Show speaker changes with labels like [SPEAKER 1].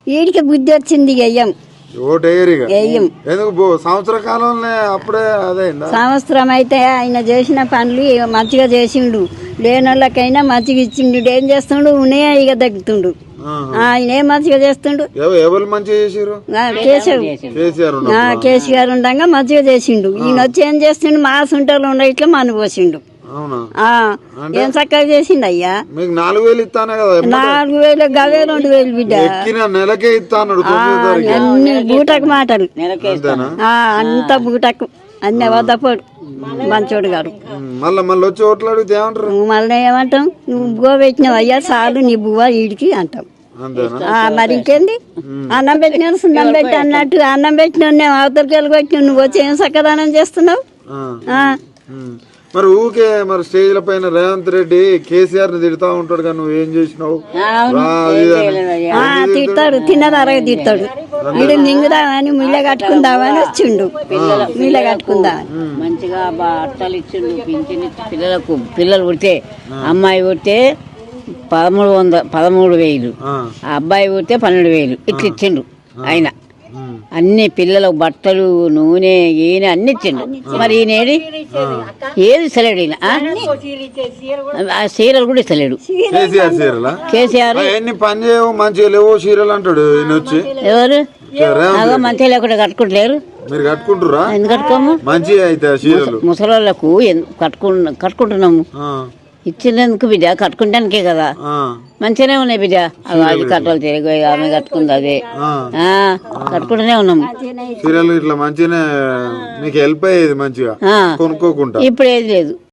[SPEAKER 1] వీడికి బుద్ధి వచ్చింది వెయ్యం వెయ్యం
[SPEAKER 2] సంవత్సర కాలంలో అప్పుడే అదే
[SPEAKER 1] సంవత్సరం అయితే ఆయన చేసిన పనులు మంచిగా చేసిండు, లేనోళ్ళకైనా మంచిగా ఇచ్చిండు. ఏం చేస్తుండు, ఉన్నాయా ఇక తగ్గుతుండు. ఆయన ఏం మంచిగా చేస్తుండు,
[SPEAKER 2] ఎవరు మంచిగా చేసారు?
[SPEAKER 1] కేసీఆర్ ఉండగా మంచిగా చేసిండు. ఈయన వచ్చి ఏం చేస్తుండు, మా సుంటలు ఉండ ఇట్లా మన పోసిండు. ఏం చక్కగా చేసిండు అయ్యా.
[SPEAKER 2] 4,000 ఇస్తానే కదా?
[SPEAKER 1] 4,000 గవే 2,000 బిడ్డ.
[SPEAKER 2] నెలకే ఇస్తాను
[SPEAKER 1] అన్ని బూటకు మాటలు, అంత బూటకు అన్ని వద్దపోడు మంచోడు గారు.
[SPEAKER 2] మళ్ళీ వచ్చి ఓట్లు అడిగితే ఏమంటారు?
[SPEAKER 1] మళ్ళీ ఏమంటాం, నువ్వు బువ్వ పెట్టినావు అయ్యా చాలు నీ బువ్వ వీడికి అంటాం. మరి ఇంకేంది, అన్నం పెట్టిన సున్నం పెట్టి అన్నట్టు అన్నం పెట్టిన అవతలకి వెళ్ళి నువ్వు వచ్చి ఏం చక్కదానం చేస్తున్నావు.
[SPEAKER 2] మరి ఊకే మరి స్టేజ్ల పైన రేవంత్ రెడ్డి కేసీఆర్ ని తిడతా ఉంటాడు కదా, నువ్వు ఏం చేసినావు?
[SPEAKER 1] తిడతాడు, తిన్నదారా తిడతాడు. వీడు మింగుదామని మిల్ల కట్టుకుందామని వచ్చిండు, మిల్ల కట్టుకుందామని.
[SPEAKER 3] మంచిగా బట్టలు ఇచ్చిండు, పింఛన్ పిల్లలకు. పిల్లలు పుడితే అమ్మాయి పుడితే 13,000, అబ్బాయి పుడితే 12,000 ఇట్లా ఇచ్చిండు ఆయన. అన్ని పిల్లలకు బట్టలు, నూనె, ఈయన అన్ని ఇచ్చిండు. మరి ఈయనేది ఏది ఇస్తలేడు ఈయన. సీరియల్ కూడా ఇస్తలేడు కేసీఆర్.
[SPEAKER 2] పని చేయవు, మంచిగా లేవు సీరియల్ అంటాడు ఈయన వచ్చి.
[SPEAKER 3] ఎవరు మంచిగా లేకుండా కట్టుకుంటలేరు?
[SPEAKER 2] మీరు కట్టుకుంటురా?
[SPEAKER 3] ఎందుకు కట్టుకోము?
[SPEAKER 2] మంచిగా అయితే సీరియల్
[SPEAKER 3] ముసలోళ్ళకు కట్టుకుంటున్నాము. ఇచ్చినందుకు బిడ్డ, కట్టుకుంటానికే కదా. మంచిగానే ఉన్నాయి బిడ్డ. అది కట్టలు తిరిగి ఆమె కట్టుకుంది, అదే కట్టుకుంటూనే ఉన్నాము.
[SPEAKER 2] సీరియల్ ఇట్లా మంచిగానే మీకు హెల్ప్ అయ్యేది మంచిగా కొనుక్కోకుండా.
[SPEAKER 3] ఇప్పుడు ఏది లేదు.